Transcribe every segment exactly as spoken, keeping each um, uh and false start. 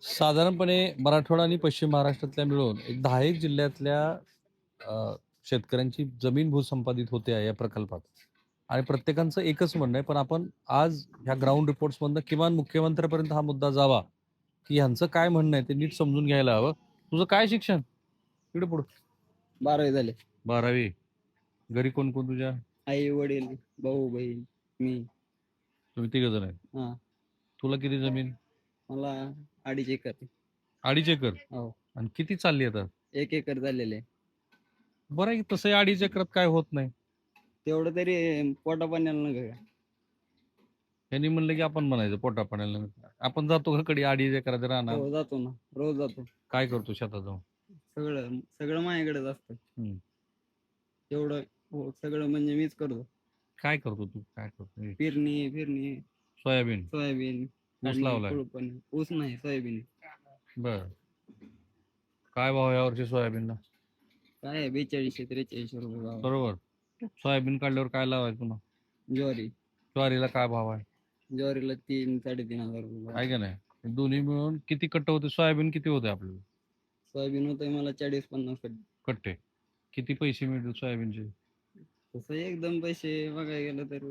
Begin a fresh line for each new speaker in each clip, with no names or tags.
साधारणपणे मराठवाडा आणि पश्चिम महाराष्ट्रातल्या मिळून एक दहा एक जिल्ह्यातल्या अ, शेतकऱ्यांची जमीन भूसंपादित होते आहे या प्रकल्पात. आणि प्रत्येकाचं एकच म्हणणं आहे, पण आपण आज ह्या ग्राउंड रिपोर्ट्समधनं किमान मुख्यमंत्र्यापर्यंत हा मुद्दा जावा, की ह्यांचं काय म्हणणं आहे ते नीट समजून घ्यायला हवं. तुझं काय शिक्षण? इकडे पुढं.
बारावी झाले.
बारावी. घरी कोण कोण तुझ्या?
आई वडील भाऊ बहीण मी.
तुम्ही तिघ जण आहे.
हा
तुला किती जमीन?
मला अडीच एकर.
अडीच एकर.
हो
आणि किती चालली आता?
एक एकर झालेले.
बरं आहे की तसंही अडीच एकरात काय होत नाही.
तेवढं तरी पोटा पाण्याला नका का.
त्यांनी म्हणलं की आपण म्हणायचं पोटा पाण्याला. आपण जातो का कडे अडीच एकरात राहणार?
हो जातो ना, रोज जातो.
काय करतो शेतात जाऊन?
सगळं सगळं माझ्याकडेच असतं.
हम्म.
तेवढं हो सगळं म्हणजे मीच करतो.
काय करतो तू? काय करतो? हे,
पेरणी फिरणी
सोयाबीन.
सोयाबीन
ऊस
आणि
लावलाय.
कुळपण. ऊस नाही सोयाबीन.
बर. काय भाव या वर्षी सोयाबीनला?
काय आहे बेचाळीसशे त्रेचाळीसशे रुपये भाव.
बरोबर. सोयाबीन काढल्यावर काय लावायचं पुन्हा?
ज्वारी.
ज्वारीला काय भाव आहे?
ज्वारीला तीन साडेतीन हजार रुपये भाव.
आहे का नाही? दोन्ही मिळून किती कट्टे होते? सोयाबीन किती होते आपल्याला?
सोयाबीन होतंय मला चाळीस पन्नास कट्टे.
कट्टे. किती पैसे मिळतील सोयाबीनचे?
तसं एकदम पैसे बघायला गेलं तर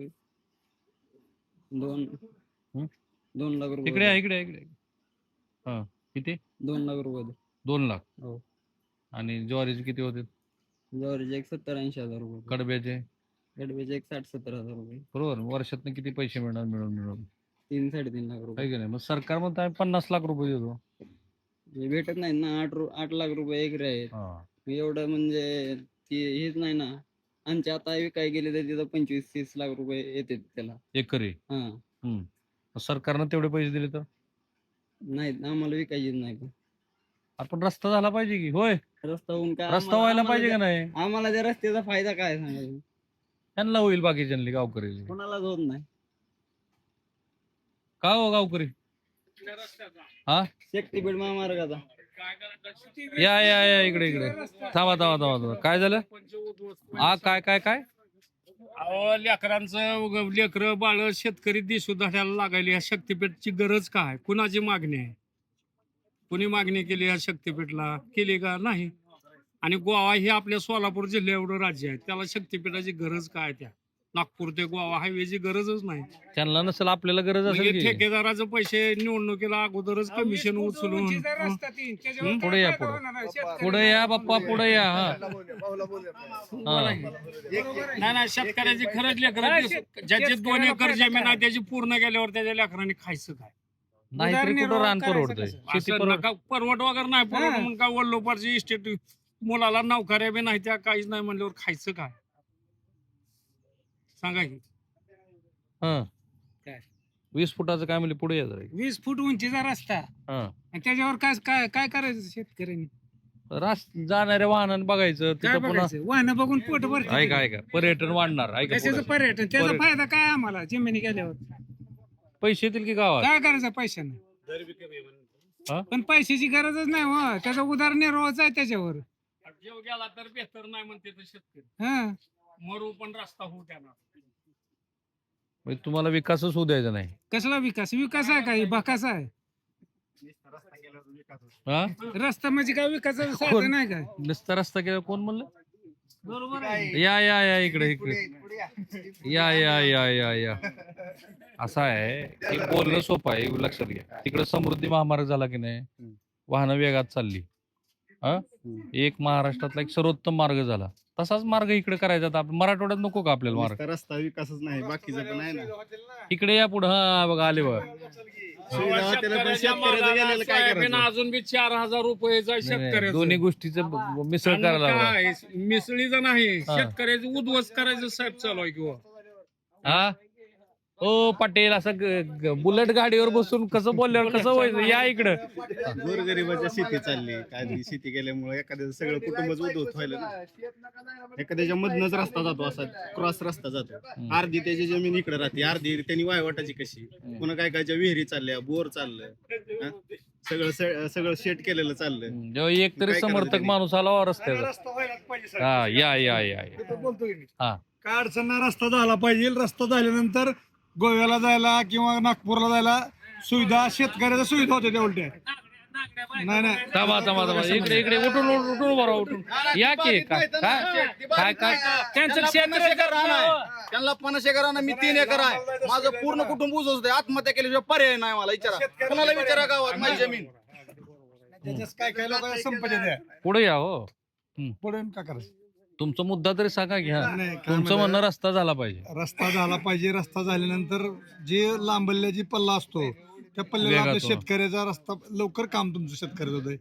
दोन
हं?
दोन लाख रुपये
इकडे आहे,
होते.
इकडे आहे, इकडे आहे. हा किती?
दोन लाख रुपये होते.
दोन लाख.
हो
आणि ज्वारीचे किती होते?
ज्वारीचे एक सत्तर ऐंशी हजार रुपये होते.
कडब्याचे?
गडबेचे एक साठ सत्तर हजार रुपये.
बरोबर. वर्षातनं किती पैसे मिळणार मिळून मिळून?
तीन साडेतीन लाख रुपये.
आहे की नाही? मग सरकार म्हणतं आम्ही पन्नास लाख रुपये देतो.
हे भेटत नाही ना. आठ रु आठ लाख रुपये एकरे आहेत.
हा.
एवढं म्हणजे ती हेच नाही ना. आमच्या आता विकाय गेले तर तिथं पंचवीस तीस लाख रुपये येते त्याला.
एकरी.
हा
हम्म. मग सरकारनं तेवढे पैसे दिले तर
नाहीत आम्हाला विकायचीच नाही. पण
आपण रस्ता झाला पाहिजे की. होय.
रस्ता होऊन काय
रस्ता
आम्हाला-
व्हायला
आम्हाला
पाहिजे का
त्या-
नाही?
आम्हाला त्या रस्त्याचा फायदा काय सांगायचं.
त्यांना होईल बाकीच्यांनी गावकरी.
कोणालाच होत नाही.
का हो गावकरी? हा
शक्तीपीठ महामार्गाचा.
या या या इकडे इकडे थांबा थांबा थांबा थांबा. काय झालं? हा काय काय काय?
अहो लेकरांचं लेकरं बाळ शेतकरी दिसू धड्याला लागायली. या शक्तीपीठची गरज काय? कुणाची मागणी आहे? कुणी मागणी केली या शक्तीपीठला? केली का? नाही. आणि गोवा हे आपल्या सोलापूर जिल्ह्या एवढं राज्य आहे, त्याला शक्तीपीठाची गरज काय? त्या नागपूर ते गोवा हायवेची गरजच नाही.
त्यांना नसेल, आपल्याला गरज
म्हणजे
असेल की.
ठेकेदाराचं पैसे निवडणुकीला अगोदरच कमिशन उचलून
हं? पुढे या पुढे पुढे या बाप्पा पुढे या. हा हा.
नाही नाही शेतकऱ्याची खरंच लेकरं ज्याची दोन एकर जमीन आहे त्याची पूर्ण गेल्यावर त्याच्या लेकरांनी खायचं काय?
नाहीतरी कुठं रान परवडतंय. शेती
असं
परवड
नका परवड वगैरे नाही परवड म्हणून काय वल्लोपारची इस्टेट मुलाला नौकऱ्या बी नाही त्या काहीच नाही म्हणल्यावर खायचं काय? सांगा की.
हा
काय?
वीस फुटाचं काय म्हणले? पुढे या जरा.
वीस फूट उंचीचा रस्ता
हा
आणि त्याच्यावर काय काय काय करायचं शेतकऱ्यांनी?
रास जाणाऱ्या वाहनानं बघायचं
काय
तिथं पुन्हा.
बघायचं? वाहनं बघून पोट भरते.
ऐका ऐका पर्यटन वाढणार. ऐका
कशाचं
पुढं.
पर्यटन? त्याचा
पर्यटन.
फायदा काय आम्हाला जमिनी गेल्यावर?
पैसे येतील की गावात?
काय करायचं पैशाने?
हा?
पण पैशाची गरजच नाही हो. त्याचा उदरनिर्वाहच आहे त्याच्यावर. जीव गेला तर बेहतर नाही म्हणते तर शेतकरी. हा मरू पण रस्ता होऊ द्याना.
म्हणजे तुम्हाला विकासच होऊ द्यायचा नाही.
कसला विकास? विकास आहे काही बकास आहे?
हा
रस्ता म्हणजे काय विकासाचं
कोण?
साधन नाही काय?
नुसता रस्ता केला कोण म्हणलं?
बरोबर आहे.
या या या इकडे इकडे या या या या या असं आहे की बोलणं सोपं आहे, लक्षात घ्या. तिकडे समृद्धी महामार्ग झाला की नाही, वाहनं वेगात चालली. हा एक महाराष्ट्रातला एक सर्वोत्तम मार्ग झाला. तसाच मार्ग इकडे करायचा. आता आपण मराठवाड्यात नको का आपल्याला मार्ग?
नुसता रस्ता विकासच नाही, बाकीचं पण आहे ना.
इकडे या पुढे. हा बघा आले बघा.
सुविधा त्याला पण
शेतकऱ्याच्या
शेतकऱ्याचं गेलेलं काय
सोयाबीन
करायचं?
अजून बी चार हजार रुपयेचा
नाही, नाही,
शेतकऱ्याचं.
दोन्ही गोष्टीचं ब- मिसळ
आणि
करायला लागला.
काय मिसळीचं नाही,
हा.
शेतकऱ्याचं उद्ध्वस्त करायचं साहेब चालू आहे किंवा
हा ओ पाटील असं ग- ग- बुलेट गाडीवर बसून कसं बोलल्यावर कसं व्हायचं? या इकडं.
गोरगरिबाच्या शेती चालली, काय ती शेती केल्यामुळे एखाद्याचं सगळं कुटुंबच उद्धवत व्हायला ना. एखाद्याच्या मधनच रस्ता जातो, असा क्रॉस रस्ता जातो. अर्धी त्याची जमीन इकडे राहते, अर्धी त्यांनी वायवाटाची कशी. पुन्हा काय कायच्या विहिरी चालल्या, बोर चाललं, हा? सगळं स- सगळं शेट केलेलं चाललं.
जेव्हा एक तरी
काय
समर्थक
करायचं
माणूस आला वा रस्त्याचा. हा या या या या. हा
काय अडचण नाही, रस्ता झाला पाहिजे. रस्ता झाल्यानंतर गोव्याला जायला किंवा नागपूरला जायला सुविधा, शेतकऱ्याच्या सुविधा होते त्या उलट्या. नाही नाही
थांबा थांबा थांबा इकडे इकडे उठून उठून उठून बरं उठून या की काय काय काय काय
त्यांचं क्षेत्र
त्यांना पन्नास एकर रान आहे, मी तीन एकर आहे. माझं पूर्ण कुटुंब ऊस असते. आत्महत्या केल्याशिवाय पर्याय नाही मला. विचारा कोणाला विचारा गावात माझी जमीन.
त्याच्यात काय काय लोक संपत्ती द्या
पुढे या हो
पुढे का करायचं
तुमचा मुद्दा तरी सांगा घ्या
नाही, काय
तुमचं
म्हणताय?
म्हणणं रस्ता झाला पाहिजे
रस्ता झाला पाहिजे. रस्ता झाल्यानंतर जे लांबल्या जी पल्ला असतो त्या पल्ल्याला
वेगात
आपल्या
हो.
शेतकऱ्याचा रस्ता लवकर काम तुमचं शेतकऱ्याचं होतंय.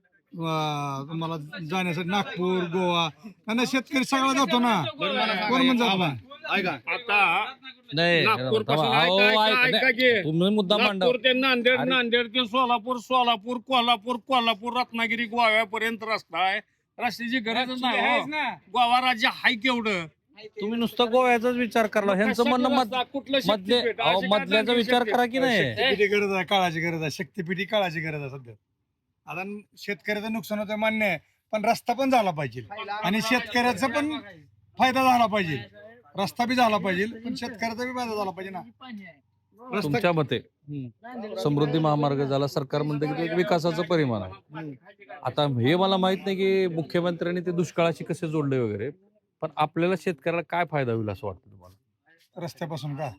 वा, तुम्हाला जाण्यासाठी नागपूर गोवा आणि शेतकरी सगळा जातो ना कोण म्हणजे जातो ना
ऐका
आता
नाही
नागपूर
थांबा,
पासून
अहो,
ऐका-
ऐका-
ऐका
नाही,
की.
तुम्ही मुद्दा मांडा
नागपूर ते नांदेड
अरे.
नांदेड ते सोलापूर सोलापूर कोल्हापूर कोल्हापूर रत्नागिरी गोव्यापर्यंत रस्ता आहे. रस्त्याची गरजच नाही हो. गोवा राज्य हाय केवढं
तुम्ही नुसतं गोव्याचाच विचार करा ह्यांचं म्हणणं मध-
रस्ता, कुठलं
मधले
शक्तीपीठ?
अहो,
अशी काय
मधल्याचा
दांडी
विचार
शक्ती?
करा की नाही
शक्तीपीठी गरज आहे काळाची गरज आहे शक्तीपीठी काळाची गरज आहे सध्या. आता शेतकऱ्याचं नुकसान होतं मान्य आहे पण रस्ता पण झाला पाहिजे आणि शेतकऱ्याचा पण फायदा झाला पाहिजे. रस्ता बी झाला पाहिजे पण शेतकऱ्याचा बी फायदा झाला पाहिजे ना. रस्ता
तुमच्या मते समृद्धी महामार्ग झाला सरकार म्हणतं की तो एक विकासाचं परिमाण आहे. आता हे मला माहित नाही की मुख्यमंत्र्यांनी ते दुष्काळाशी कसे जोडले वगैरे पण आपल्याला शेतकऱ्याला काय फायदा होईल असं वाटतं तुम्हाला
रस्त्यापासून का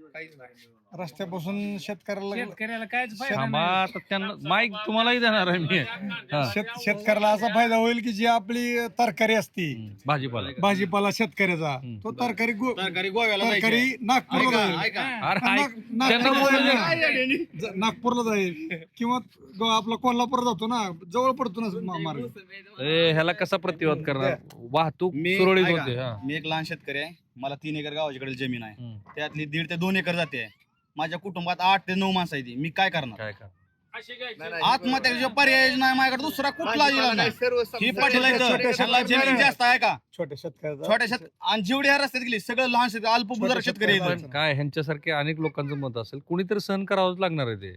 रस्त्यापासून शेतकऱ्याला
शेतकऱ्याला कायच फायदा
थांबा
नाही.
आता त्यांना माईक तुम्हालाही देणार आहे मी हा.
शेत शेतकऱ्याला असा फायदा होईल की जी आपली तरकारी असती
भाजीपाला
भाजीपाला शेतकऱ्याचा
हम्म.
तो तरकारी गो-
सरकारी गोव्याला जायचं.
तरकारी नागपूरला
ऐका,
जाईल
ऐका.
अरे ऐक,
नाग-
त्यांना
नागपूरला
बोलू दे.
जाईल. ज- नागपूरला जाईल किंवा ग- आपला कोल्हापूर जातो ना जवळ पडतो ना मा- मार्ग.
ए, ह्याला कसा प्रतिवाद करणार वाहतूक
मी
सुरळीत
ऐका,
होते हा
मी एक लहान शेतकरी आहे. मला तीन एकर गावाच्याकडे जमीन आहे.
हम्म.
त्यातली दीड ते दोन एकर जाते. माझ्या कुटुंबात आठ ते नऊ माणसं आहेत. मी काय करणार?
काय का
अशी काय
आत्महत्या पर्याय नाही माझ्याकडे दुसरा कुठला इलाज नाही. ही पाटील आहे तर,
छोट्या
त्याला जमीन
शेतकऱ्या-
जास्त आहे का?
छोट्या शेतकऱ्याचा
छोट्या शेत आणि जेवढे ह्या रस्त्यात गेली सगळं लहान शेतकरी अल्पभूधारक
छोट्या
शेतकरी आहेत.
शेतकऱ्याचं.
पण काय ह्यांच्यासारखे अनेक लोकांचं मत असेल कुणीतरी सहन करावंच लागणार आहे ते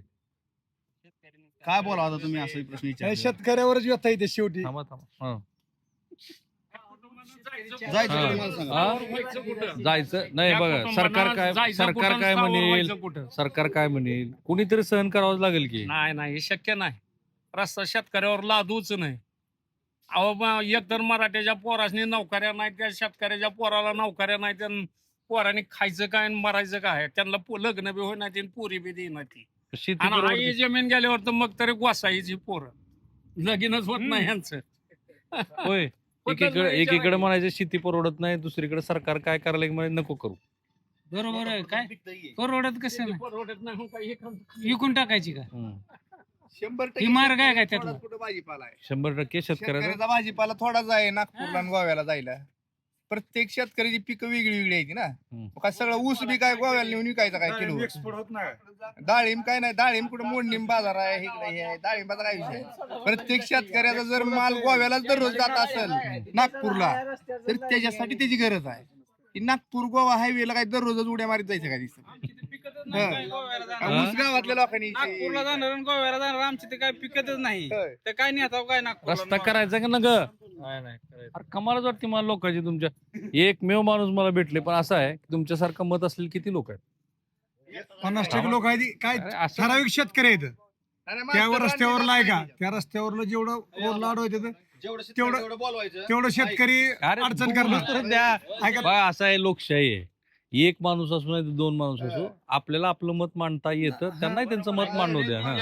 काय बोला आता तुम्ही असं प्रश्न
आणि
विचार
शेतकऱ्यावरच व्यथा येते शेवटी.
थांबा थांबा हा.
जायचं
हा.
का तुम्हाला सांगा?
हा? जायचं नाही बघा सरकार काय सरकार काय म्हणेल सरकार काय म्हणेल कुणीतरी सहन करावंच लागेल की
नाही नाही हे शक्य नाही. रस्ता शेतकऱ्यावर लादूच नाही. अहो मग एकतर मराठ्याच्या पोरासनी नोकऱ्या नाही त्या शेतकऱ्याच्या पोराला नोकऱ्या नाही त्या पोरांनी खायचं काय आणि मरायचं काय त्यांना पो- लग्न बी होईना ती पोरी बी देईना ती
शेती
आणि
परवडते.
आई जमीन गेल्यावर तर मग तरी गोसाईची पोरं लगीनच होत नाही यांचं.
होय एकीकडे एकीकडे म्हणायचं शेती परवडत नाही दुसरीकडे सरकार काय करायला म्हणे नको करू
बरोबर आहे काय परवडत कसं नाही
परवडत नाही मग काय हे काम-
विकून टाकायची का
हम्म.
ही मार्ग आहे काय त्यातला
भाजीपाला आहे
शंभर टक्के शेतकऱ्याचा
शेतकऱ्याचा भाजीपाला थोडाच आहे नागपूरला आणि गोव्याला जायला. प्रत्येक शेतकऱ्याची पिकं वेगळी वेगळी आहेत ना.
हम्म.
मग काय सगळं ऊस बी काय गोव्याला नेऊन विकायचं काय किलो.
एक्सपोर्ट होत नाही.
डाळिंब काय नाही डाळिंब कुठं मोडणीम बाजार आहे इकडे हे आहे. डाळिंबाचा काय विषय आहे? प्रत्येक शेतकऱ्याचा जर माल गोव्यालाच दररोज जात असेल नागपूरला तर त्याच्यासाठी त्याची गरज आहे की नागपूर गोवा हायवेला काय दररोजच उड्या मारीत जायचं काय दिसत ऊस गावातल्या लोकांनी
नागपूरला जाणार आणि गोव्याला जाणार आमची ते काय पिकतच नाही
होय.
तर काय नाही आता काय नागपूर
रस्ता करायचा का न ग अरे कमालच वाटते मला लोकांची तुमच्या एकमेव माणूस मला भेटले पण असं आहे की तुमच्यासारखं मत असलेले किती लोक आहेत
पन्नास टक्के लोक आहेत काय
अरे असं
ठराविक शेतकरी आहेत
आणि
त्यावर
मास्तर
रस्त्यावर
रांडेला
लाय का
पाहिजे.
त्या रस्त्यावरलं जेवढं लाड होते
जेवढं
तेवढं-
शेतकरी तेवढं बोलवायचं.
तेवढं शेतकरी
अरे
अडचण
बोलू तर
करणार.
द्या
ऐका
बघा असं आहे लोकशाही आहे एक माणूस असो नाही तर दोन माणूस असो आपल्याला आपलं मत मांडता येतं त्यांनाही त्यांचं मत मांडू द्या हा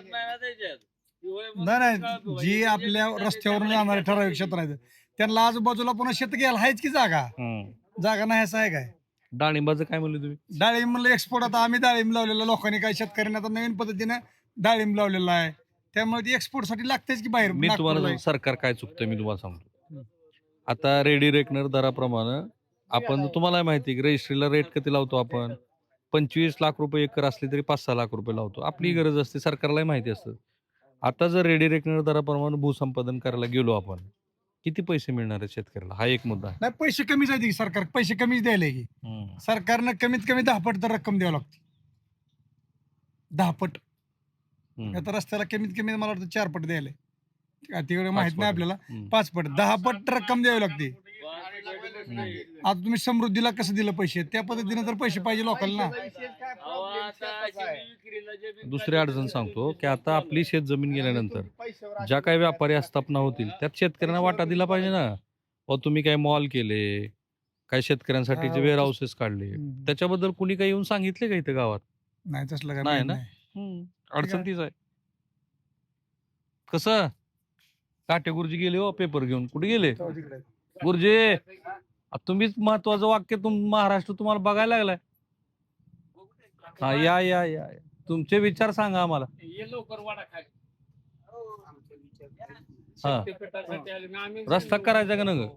नाही नाही जी आपल्या रस्त्यावरून जाणारे ठराविक क्षेत्र आहेत त्यांना आजूबाजूला पुन्हा शेत घ्यायला आहेच की जागा
हम्म.
जागा नाही असं आहे काय.
डाळिंबाचं काय म्हणलं तुम्ही
डाळिंब म्हणलं एक्सपोर्ट आता आम्ही डाळिंब लावलेलं लोकांनी काही शेतकऱ्यांना आता नवीन पद्धतीनं डाळिंब लावलेलं आहे त्यामुळे ती एक्सपोर्ट साठी लागतेच की बाहेर
मी तुम्हाला
नागपूरला.
सांगतो, सरकार काय चुकतंय मी तुम्हाला सांगतो आता रेडी रेकनर दराप्रमाणे आपण तुम्हाला माहिती आहे की रजिस्ट्रीला रेट किती लावतो आपण पंचवीस लाख रुपये एकर असले तरी पाच सहा लाख रुपये लावतो आपली गरज असते सरकारलाही माहिती असतं आता जर रेडी रेकनर दराप्रमाणे भूसंपादन करायला गेलो आपण किती पैसे मिळणार आहेत शेतकऱ्याला हा एक मुद्दा आहे
नाही पैसे कमीच आहेत की सरकार पैसे कमीच द्यायला की
हम्म.
सरकारनं कमीत कमी दहा पट तर रक्कम द्यावी लागते दहा पट
हम्म.
आता रस्त्याला कमीत कमी मला वाटतं चार पट द्यायला तिकडे माहित
पट.
नाही आपल्याला
हम्म.
पाच पट दहा पट रक्कम द्यावी लागते आता तुम्ही समृद्धीला कसं दिलं पैसे त्या पद्धतीने तर पैसे पाहिजे लोकांना.
दुसरी अडचण सांगतो की आता आपली शेत जमीन गेल्यानंतर ज्या काही व्यापारी आस्थापना होतील त्यात शेतकऱ्यांना वाटा दिला पाहिजे ना. व तुम्ही काही मॉल केले, काही शेतकऱ्यांसाठीचे
हा,
वेअर हाऊसेस काढले,
हम्म.
त्याच्याबद्दल कुणी काही येऊन सांगितले का इथं गावात?
नाही तसलं काय
नाही
माहित
ना?
नाही.
अडचण तीच आहे. कसं काटे गुरुजी गेले हो पेपर घेऊन, कुठे गेले
जाऊ तिकडे.
गुरुजी? आ, तुम्हीच महत्वाचं वाक्य तुम महाराष्ट्र तुम्हाला बघायला लागलाय. हा या या या या. तुमचे विचार सांगा आम्हाला.
ये लवकर वाडा खाली.
हा.
शक्तीपीठासाठी आले ना आम्ही.
रस्ता करायचा का नग?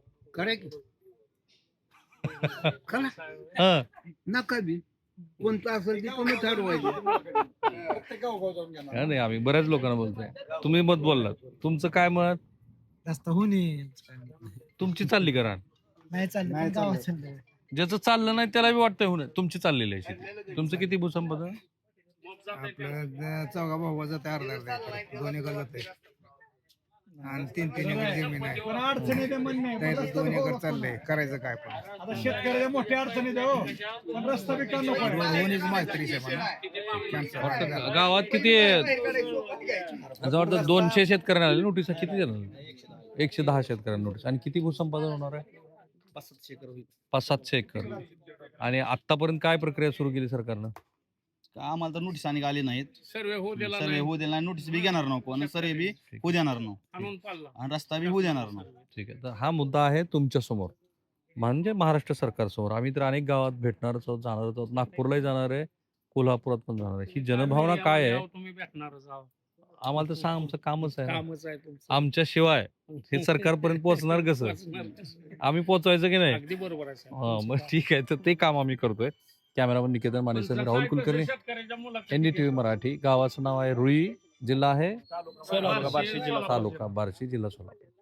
हा.
नका बी कोणतं असेल ते कोणी ठरवायचं.
प्रत्येक गावगाव जाऊन घेणार.
हा, नाही आम्ही बऱ्याच लोकांना बोलतोय. तुम्ही मत बोललात, तुमचं काय मत?
जास्त होणे
तुमची चालली करा.
नाही चाललं
नाही
पण गावात
चाललं.
चाललंय.
ज्याचं चाललं नाही त्याला बी वाटतंय होणं. तुमची चाललेली आहे शेती. तुमचं किती भूसंपदा?
आपलं चौघा भाऊ जाते अर्धा अर्धा एकर. दोन एकर जाते आणि तीन तीन एकर जमीन आहे.
पण अडचणी ते म्हणणे
त्याचं दोन एकर चाललंय. करायचं काय पण
आता शेतकऱ्याच्या मोठ्या अडचणी द्या हो. पण रस्ता बी का नको आहे?
होणीच माहिती कॅन्सर
वाटतं गावात किती जवळजवळ दोनशे शेतकऱ्यांना आले नोटीस. किती जण? एकशे दहा शेतकऱ्यांना नोटीस. आणि किती भूसंपादन होणार आहे?
पाच सातशे एकर होईल.
पाच सातशे एकर. आणि आतापर्यंत काय प्रक्रिया सुरू केली सरकारनं?
आम्हाला तर नोटीस आणि आले नाहीत.
सर्वे होऊ दिला
सर्वे
नाही.
होऊ देणार नाही, नोटीस बी घेणार नको आणि सर्वे बी होऊ देणार नाही
आणून पाडला.
आणि रस्ता बी होऊ देणार नाही.
ठीक आहे. तर हा मुद्दा आहे तुमच्या समोर, म्हणजे महाराष्ट्र सरकार समोर. आम्ही तर अनेक गावात भेटणारच आहोत, जाणारच आहोत. नागपूरलाही जाणार आहे, कोल्हापुरात पण जाणार आहे. ही जनभावना काय आहे
तुम्ही भेटणारच आहोत.
आम्हाला तर सांग. आमचं कामच आहे ना.
कामच आहे तुमचं.
आमच्या शिवाय हे सरकारपर्यंत पोहोचणार कसं?
पोचणार कसं?
आम्ही पोहोचवायचं की नाही?
अगदी बरोबर आहे साहेब.
हा, मग ठीक आहे. तर ते काम आम्ही करतोय. कॅमेरामन निकेतन मानेसह मी राहुल कुलकर्णी,
शेतकऱ्याच्या मुलाखती
एनडीटीव्ही मराठी. गावाचं नाव आहे रुई, जिल्हा आहे
सोलापूर.
तालुका बार्शी, जिल्हा सोलापूर.